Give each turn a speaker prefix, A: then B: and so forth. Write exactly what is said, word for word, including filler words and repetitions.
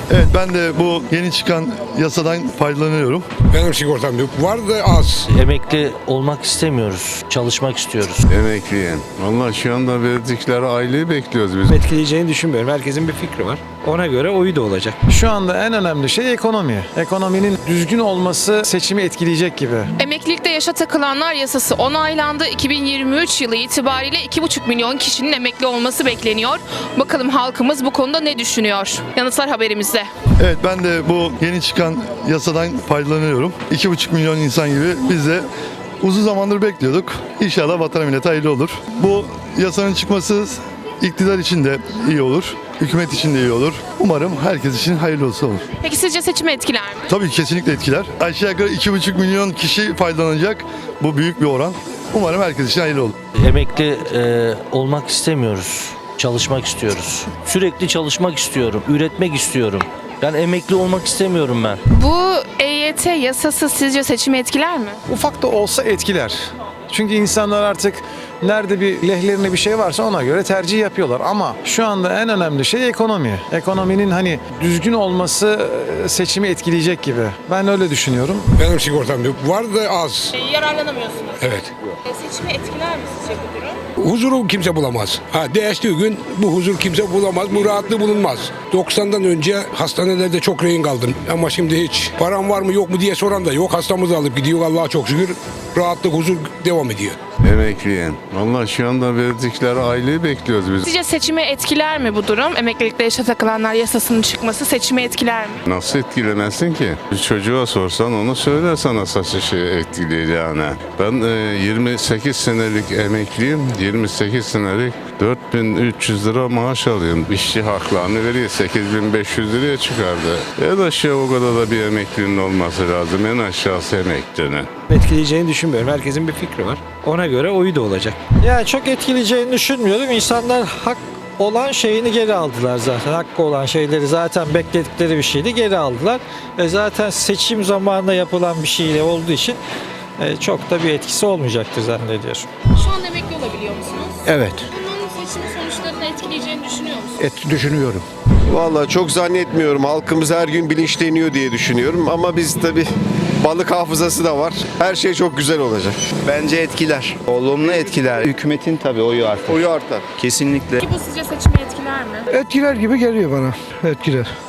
A: Evet, ben de bu yeni çıkan yasadan faydalanıyorum.
B: Benim sigortam yok. Var da az.
C: Emekli olmak istemiyoruz. Çalışmak istiyoruz.
D: Emekliyen. Vallahi şu anda verdikleri aileyi bekliyoruz biz.
E: Etkileyeceğini düşünmüyorum. Herkesin bir fikri var. Ona göre oyu da olacak.
F: Şu anda en önemli şey ekonomi. Ekonominin düzgün olması seçimi etkileyecek gibi.
G: Emeklilikte yaşa takılanlar yasası onaylandı. iki bin yirmi üç yılı itibariyle iki buçuk milyon kişinin emekli olması bekleniyor. Bakalım halkımız bu konuda ne düşünüyor? Yanıtlar haberimizde.
A: Evet, ben de bu yeni çıkan yasadan faydalanıyorum. iki buçuk milyon insan gibi biz de uzun zamandır bekliyorduk. İnşallah vatana millete hayırlı olur. Bu yasanın çıkması iktidar için de iyi olur. Hükümet için de iyi olur. Umarım herkes için hayırlı olsun olur.
G: Peki sizce seçimi etkiler mi?
A: Tabii ki kesinlikle etkiler. Aşağı yukarı iki buçuk milyon kişi faydalanacak. Bu büyük bir oran. Umarım herkes için hayırlı olur.
C: Emekli e, olmak istemiyoruz. Çalışmak istiyoruz. Sürekli çalışmak istiyorum. Üretmek istiyorum. Yani emekli olmak istemiyorum ben.
G: Bu E Y T yasası sizce seçimi etkiler mi?
F: Ufak da olsa etkiler. Çünkü insanlar artık nerede bir lehlerine bir şey varsa ona göre tercih yapıyorlar. Ama şu anda en önemli şey ekonomi. Ekonominin hani düzgün olması e, seçimi etkileyecek gibi. Ben öyle düşünüyorum.
B: Benim sigortam yok. Var da az.
G: Yararlanamıyorsunuz.
B: Evet.
G: Seçimi etkiler mi sizce bu durum?
B: Huzuru kimse bulamaz. Ha değiştiği gün bu huzur kimse bulamaz. Bu rahatlığı bulunmaz. doksandan önce hastanelerde çok rehin kaldım. Ama şimdi hiç param var mı yok mu diye soran da yok. Hastamızı alıp gidiyor Allah'a çok şükür. Rahatlık, huzur devam ediyor.
D: Emekliyen. Vallahi şu anda verdikleri aileyi bekliyoruz biz.
G: Sizce seçimi etkiler mi bu durum? Emeklilikte yaşa takılanlar yasasının çıkması seçimi etkiler mi?
D: Nasıl etkilemezsin ki? Bir çocuğa sorsan onu söyler sana saçı şey etkileyeceğini. Ben e, yirmi sekiz senelik emekliyim. yirmi sekiz senelik dört bin üç yüz lira maaş alıyorum. İşçi haklarını veriyor. sekiz bin beş yüz liraya çıkardı. En aşağı o kadar da bir emeklinin olması lazım. En aşağısı emeklinin.
E: Etkileyeceğini düşünmüyorum. Herkesin bir fikri var. Ona göre oyu da olacak.
H: Yani çok etkileyeceğini düşünmüyorum. İnsanlar hak olan şeyini geri aldılar zaten. Hakkı olan şeyleri zaten bekledikleri bir şeydi geri aldılar. E zaten seçim zamanında yapılan bir şeyle olduğu için e, çok da bir etkisi olmayacaktır zannediyorum.
G: Şu an emekli olabiliyor musunuz?
B: Evet.
G: Bunun seçim sonuçlarını etkileyeceğini düşünüyor musunuz?
B: Et, düşünüyorum.
I: Vallahi çok zannetmiyorum. Halkımız her gün bilinçleniyor diye düşünüyorum. Ama biz tabii balık hafızası da var. Her şey çok güzel olacak.
J: Bence etkiler. Olumlu etkiler. Hükümetin tabii oyu artar.
I: Oyu artar.
J: Kesinlikle.
G: Peki bu sizce seçimi etkiler mi?
B: Etkiler gibi geliyor bana. Etkiler.